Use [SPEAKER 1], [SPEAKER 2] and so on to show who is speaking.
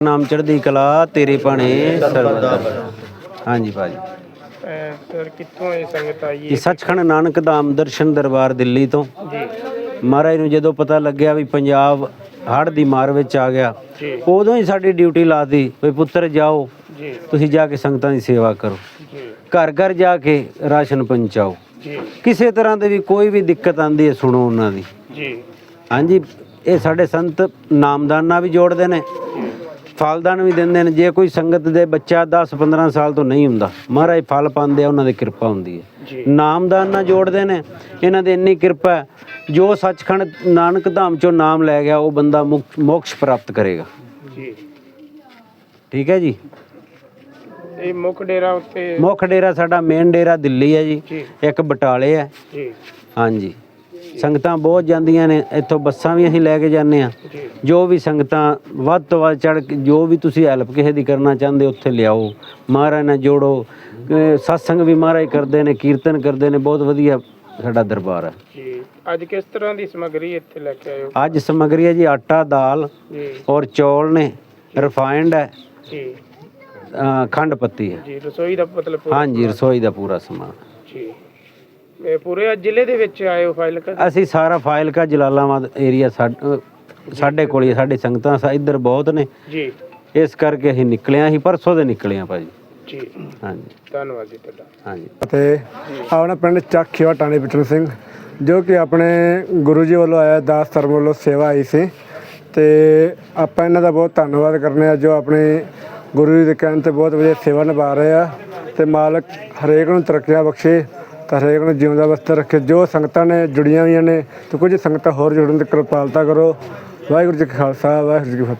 [SPEAKER 1] ਨਾਮ ਚੜ੍ਹਦੀ ਕਲਾ ਤੇਰੇ ਭਾਣੇ ਸਰਬਦਾ। ਹਾਂਜੀ ਭਾਜੀ।
[SPEAKER 2] ਸਰ ਕਿੱਥੋਂ ਇਹ ਸੰਗਤ ਆਈ
[SPEAKER 1] ਇਹ ਸੱਚਖੰਡ ਨਾਨਕ ਧਾਮ ਦਰਸ਼ਨ ਦਰਬਾਰ ਦਿੱਲੀ ਤੋਂ
[SPEAKER 2] ਜੀ
[SPEAKER 1] ਮਹਾਰਾਜ ਨੂੰ ਜਦੋਂ ਪਤਾ ਲੱਗਿਆ ਵੀ ਪੰਜਾਬ ਹੜ੍ਹ ਦੀ ਮਾਰ ਵਿੱਚ ਆ ਗਿਆ,
[SPEAKER 2] ਜੀ
[SPEAKER 1] ਉਦੋਂ ਹੀ ਸਾਡੀ ਡਿਊਟੀ ਲਾਤੀ ਵੀ ਪੁੱਤਰ ਜਾਓ
[SPEAKER 2] ਜੀ
[SPEAKER 1] ਤੁਸੀਂ ਜਾ ਕੇ ਸੰਗਤਾਂ ਦੀ ਸੇਵਾ ਕਰੋ,
[SPEAKER 2] ਜੀ
[SPEAKER 1] ਘਰ ਘਰ ਜਾ ਕੇ ਰਾਸ਼ਨ ਪਹੁੰਚਾਓ।
[SPEAKER 2] ਜੀ
[SPEAKER 1] ਕਿਸੇ ਤਰ੍ਹਾਂ ਦੀ ਵੀ ਕੋਈ ਵੀ ਦਿੱਕਤ ਆਉਂਦੀ ਹੈ ਸੁਣੋ ਉਹਨਾਂ ਦੀ।
[SPEAKER 2] ਜੀ
[SPEAKER 1] ਹਾਂਜੀ, ਇਹ ਸਾਡੇ ਸੰਤ ਨਾਮਦਾਨਾ ਵੀ ਜੋੜਦੇ ਨੇ, ਫਲਦਾਨ ਵੀ ਦਿੰਦੇ ਨੇ। ਜੇ ਕੋਈ ਸੰਗਤ ਦੇ ਬੱਚਾ 10-15 ਸਾਲ ਤੋਂ ਨਹੀਂ ਹੁੰਦਾ, ਮਹਾਰਾਜ ਫਲ ਪਾਉਂਦੇ ਆ, ਉਹਨਾਂ ਦੀ ਕਿਰਪਾ ਹੁੰਦੀ ਹੈ।
[SPEAKER 2] ਜੀ
[SPEAKER 1] ਨਾਮਦਾਨਾ ਜੋੜਦੇ ਨੇ, ਇਹਨਾਂ ਦੀ ਇੰਨੀ ਕਿਰਪਾ ਹੈ, ਜੋ ਸੱਚਖੰਡ ਨਾਨਕ ਧਾਮ ਚੋਂ ਨਾਮ ਲੈ ਗਿਆ ਉਹ ਬੰਦਾ ਮੋਕਸ਼ ਪ੍ਰਾਪਤ ਕਰੇਗਾ।
[SPEAKER 2] ਜੀ
[SPEAKER 1] ਠੀਕ ਹੈ ਜੀ।
[SPEAKER 2] ਇਹ ਮੁੱਖ ਡੇਰਾ ਉੱਤੇ
[SPEAKER 1] ਮੁੱਖ ਡੇਰਾ ਸਾਡਾ ਮੇਨ ਡੇਰਾ ਦਿੱਲੀ ਹੈ ਜੀ,
[SPEAKER 2] ਜੀ
[SPEAKER 1] ਇੱਕ ਬਟਾਲੇ ਹੈ।
[SPEAKER 2] ਜੀ
[SPEAKER 1] ਹਾਂਜੀ, ਸੰਗਤਾਂ ਬਹੁਤ ਜਾਂਦੀਆਂ ਨੇ, ਇੱਥੋਂ ਬੱਸਾਂ ਵੀ ਅਸੀਂ ਲੈ ਕੇ ਜਾਂਦੇ ਹਾਂ।
[SPEAKER 2] ਜੀ
[SPEAKER 1] ਜੋ ਵੀ ਸੰਗਤਾਂ ਵੱਧ ਤੋਂ ਵੱਧ ਚੜ੍ਹ ਕੇ ਜੋ ਵੀ ਤੁਸੀਂ ਹੈਲਪ ਕਿਸੇ ਦੀ ਕਰਨਾ ਚਾਹੁੰਦੇ ਉੱਥੇ ਲਿਆਓ, ਮਹਾਰਾਜ ਨਾਲ ਜੋੜੋ। ਸਤਸੰਗ ਵੀ ਮਹਾਰਾਜ ਕਰਦੇ ਨੇ, ਕੀਰਤਨ ਕਰਦੇ ਨੇ, ਬਹੁਤ ਵਧੀਆ ਸਾਡਾ ਦਰਬਾਰ ਹੈ
[SPEAKER 2] ਜੀ। ਅੱਜ ਕਿਸ ਤਰ੍ਹਾਂ ਦੀ ਸਮੱਗਰੀ ਇੱਥੇ ਲੈ ਕੇ ਆਏ ਹੋ?
[SPEAKER 1] ਅੱਜ ਸਮੱਗਰੀ ਹੈ ਜੀ ਆਟਾ, ਦਾਲ
[SPEAKER 2] ਜੀ
[SPEAKER 1] ਔਰ ਚੌਲ ਨੇ, ਰਿਫਾਇੰਡ ਹੈ,
[SPEAKER 2] ਜੀ
[SPEAKER 1] ਖੰਡ ਪੱਤੀ ਹੈ।
[SPEAKER 2] ਜੀ ਰਸੋਈ ਦਾ ਮਤਲਬ
[SPEAKER 1] ਹਾਂਜੀ, ਰਸੋਈ ਦਾ ਪੂਰਾ ਸਮਾਨ।
[SPEAKER 2] ਜੀ ਇਹ ਪੂਰੇ ਜ਼ਿਲ੍ਹੇ ਦੇ ਵਿੱਚ ਆਏ ਹੋ ਫਾਜ਼ਿਲਕਾ?
[SPEAKER 1] ਅਸੀਂ ਸਾਰਾ ਫਾਜ਼ਿਲਕਾ ਜਲਾਲਾਬਾਦ ਏਰੀਆ ਸਾਡੇ ਕੋਲ ਹੀ, ਸਾਡੇ ਸੰਗਤਾਂ ਇੱਧਰ ਬਹੁਤ ਨੇ,
[SPEAKER 2] ਜੀ
[SPEAKER 1] ਇਸ ਕਰਕੇ ਅਸੀਂ ਨਿਕਲੇ ਹਾਂ। ਅਸੀਂ ਪਰਸੋਂ ਦੇ ਨਿਕਲੇ ਹਾਂ ਭਾਜੀ।
[SPEAKER 2] ਜੀ
[SPEAKER 1] ਹਾਂਜੀ
[SPEAKER 2] ਧੰਨਵਾਦ ਜੀ ਤੁਹਾਡਾ।
[SPEAKER 1] ਹਾਂਜੀ।
[SPEAKER 3] ਅਤੇ ਆਪਣਾ ਪਿੰਡ ਚੱਕ ਖੇਵਾ ਟਾਣੀ ਬਿਟਨ ਸਿੰਘ, ਜੋ ਕਿ ਆਪਣੇ ਗੁਰੂ ਜੀ ਵੱਲੋਂ ਆਇਆ, ਦਾਸ ਧਰਮ ਵੱਲੋਂ ਸੇਵਾ ਆਈ ਸੀ, ਅਤੇ ਆਪਾਂ ਇਹਨਾਂ ਦਾ ਬਹੁਤ ਧੰਨਵਾਦ ਕਰਨੇ ਆ, ਜੋ ਆਪਣੇ ਗੁਰੂ ਜੀ ਦੇ ਕਹਿਣ 'ਤੇ ਬਹੁਤ ਵਧੀਆ ਸੇਵਾ ਨਿਭਾ ਰਹੇ ਆ। ਅਤੇ ਮਾਲਕ ਹਰੇਕ ਨੂੰ ਤਰੱਕੀਆਂ ਬਖਸ਼ੇ ਤਾਂ ਹਰੇਕ ਨੂੰ ਜਿਉਂਦਾ ਵਸਤ ਰੱਖੇ। ਜੋ ਸੰਗਤਾਂ ਨੇ ਜੁੜੀਆਂ ਹੋਈਆਂ ਨੇ ਅਤੇ ਕੁਝ ਸੰਗਤਾਂ ਹੋਰ ਜੁੜਨ ਦੀ ਕਿਰਪਾਲਤਾ ਕਰੋ। ਵਾਹਿਗੁਰੂ ਜੀ ਕਾ ਖਾਲਸਾ, ਵਾਹਿਗੁਰੂ ਜੀ ਕੀ ਫਤਿਹ।